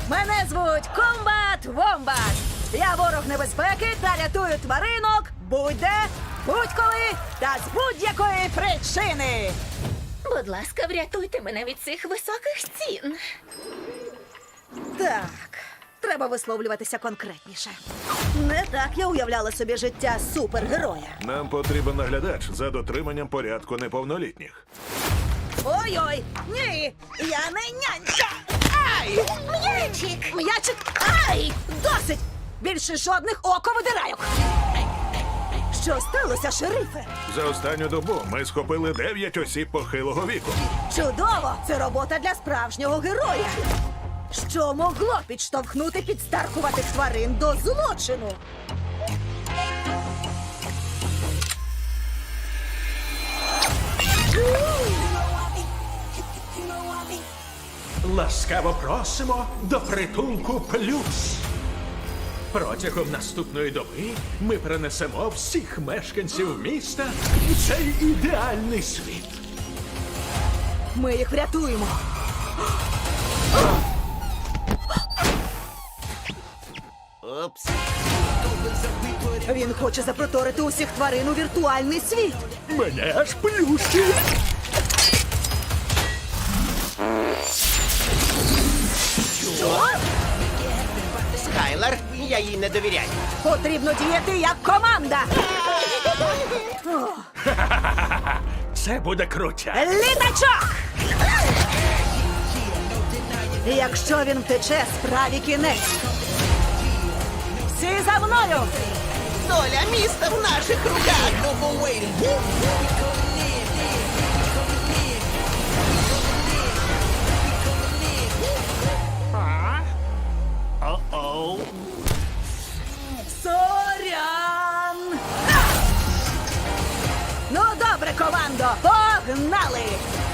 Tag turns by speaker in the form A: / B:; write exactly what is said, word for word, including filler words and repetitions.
A: Мене звуть Комбат Вомбат. Я ворог небезпеки та рятую тваринок будь-де, будь-коли та з будь-якої причини.
B: Будь ласка, врятуйте мене від цих високих стін.
A: Так, треба висловлюватися конкретніше. Не так я уявляла собі життя супергероя.
C: Нам потрібен наглядач за дотриманням порядку неповнолітніх.
A: Ой-ой, ні, я не нянька. Ай!
B: М'ячик!
A: М'ячик! Ай! Досить! Більше жодних оковидирайок! Що сталося, шерифе?
C: За останню добу ми схопили дев'ять осіб похилого віку.
A: Чудово! Це робота для справжнього героя! Що могло підштовхнути підстаркуватих тварин до злочину?
D: Ласкаво просимо до притулку плюс. Протягом наступної доби ми перенесемо всіх мешканців міста в цей ідеальний світ.
A: Ми їх врятуємо!
E: Опс.
A: Він хоче запроторити усіх тварин у віртуальний світ!
D: Мене аж плющить.
E: Скайлер, я їй не довіряю.
A: Потрібно діяти як команда!
D: Це буде крутя.
A: Літачок! Якщо він втече, справі кінець. Всі за мною!
E: Доля міста в наших руках.
D: О-оу.
A: Сорян! Ну, добре, командо, погнали!